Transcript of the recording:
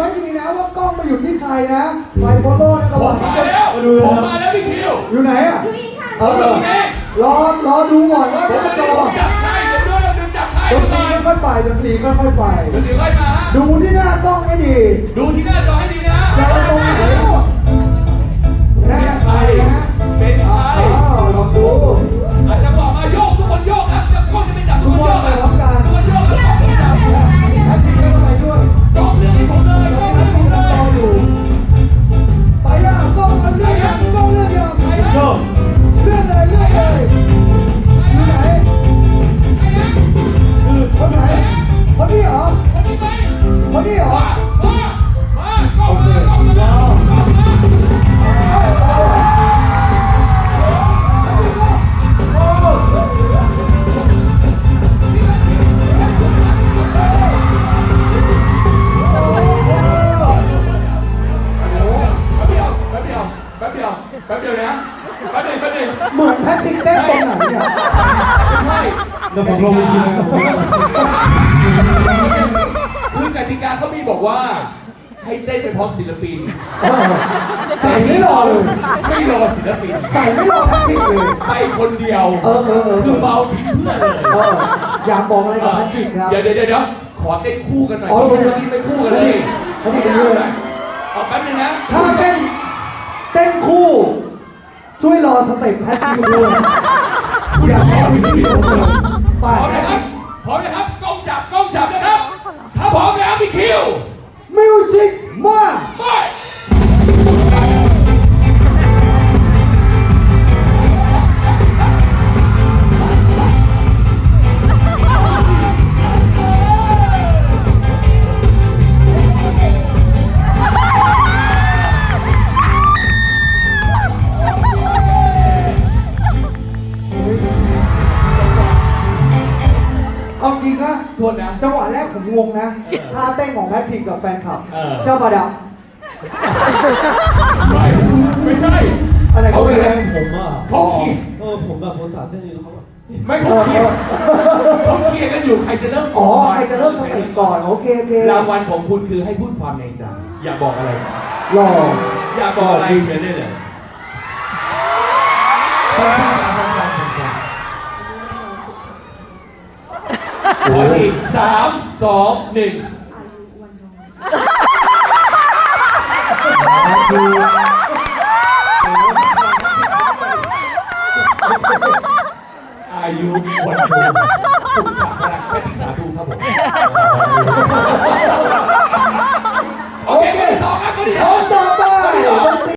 ให้ดีนะว่ากล้องมาอยู่ที่ใครนะไฟโฟโล่นะระผวัมงมาแล้วผมมาแล้วพี่คิวอยู่ไหนอ่ะอยู่นี่ค่ะรอดูก่อนว่าผมหน้าจะจอจับใครเดี๋ยวด้วยเราจับใครดนตรีค่อยๆไปดนตรีค่อยๆไปเดี๋ยวค่อยมาดูที่หน้ากล้องให้ดีดูที่หน้าจอให้ดีนะเจอตรงไหนหน้าใครนะเป็นใครลองดูอาจจะบอกมาโยกทุกคนโยกครับจะก้นจะไม่จับทุกคนโยกทุกคนไปพร้อมกันทุกคนโยกครับแพทริกก็ไปด้วยกองเรื่องให้ผมเลยกองแพเรื่องทให้ริผกมเลยก็รออยู่ไปย่างกล้องเรื่องยังกล้องเรื่องยัง Let's go เรื่องเลยอยู่ไหนคือคนไหนคนนี้เหรอคนนี้ไหมคนนี้เหรอมากล้องมากล้องมากล้องมา แป๊บเดียวนะแป๊บหนึ่งเหมือนแพทริกเต้นตรงไหนเนี่ยไม่ใช่เดี๋ยวผมลงไปทีนะครับคือกติกาเขามีบอกว่า ให้เต้นไปพร้อมศิลปินใส่ไม่รอเลยไม่รอศิลปินใส่ไม่รอแพทริกเลยไปคนเดียว คือเบาทิ้งเพื่อนเลยอยากบอกอะไรกับแพทริกครับเดี๋ยวขอเต้นคู่กันหน่อยอ๋อเมื่อกี้ไม่คู่กันเลยแพทริกเป็นด้วยเอาแป๊บนึงนะถ้าเต้นคู่ ช่วยรอสเต็ปแพทริกด้วยอยากใช้สิ่งที่ผมเลยไปพร้อมนะครับพร้อมนะครับกล้องจับนะครับ ถ้าพร้อมแล้วพี่คิวมิวสิกมาไปเอาจริงนะโทษนะจังหวะแรกผมงงนะท่าเต้นของแพทริกกับแฟนคลับ เจ้าประดับไม่ใช่อะไรเขาเขาไปไปแรแรงงผมอ่ะเขาเชียร์ผมแบบภาษาเต้นอยู่แล้วเขาแบบไม่เขาเชียร์กันอยู่ใครจะเริ่มอ๋อใครจะเริ่มสเต็ปก่อนโอเครางวัลของคุณคือให้พูดความในใจอยากบอกอะไรรออยากบอกอะไรเชิญได้เลยสั้นๆขออีก3 2 1อายุวันโชสุขภาพแพทย์สาธุครับผม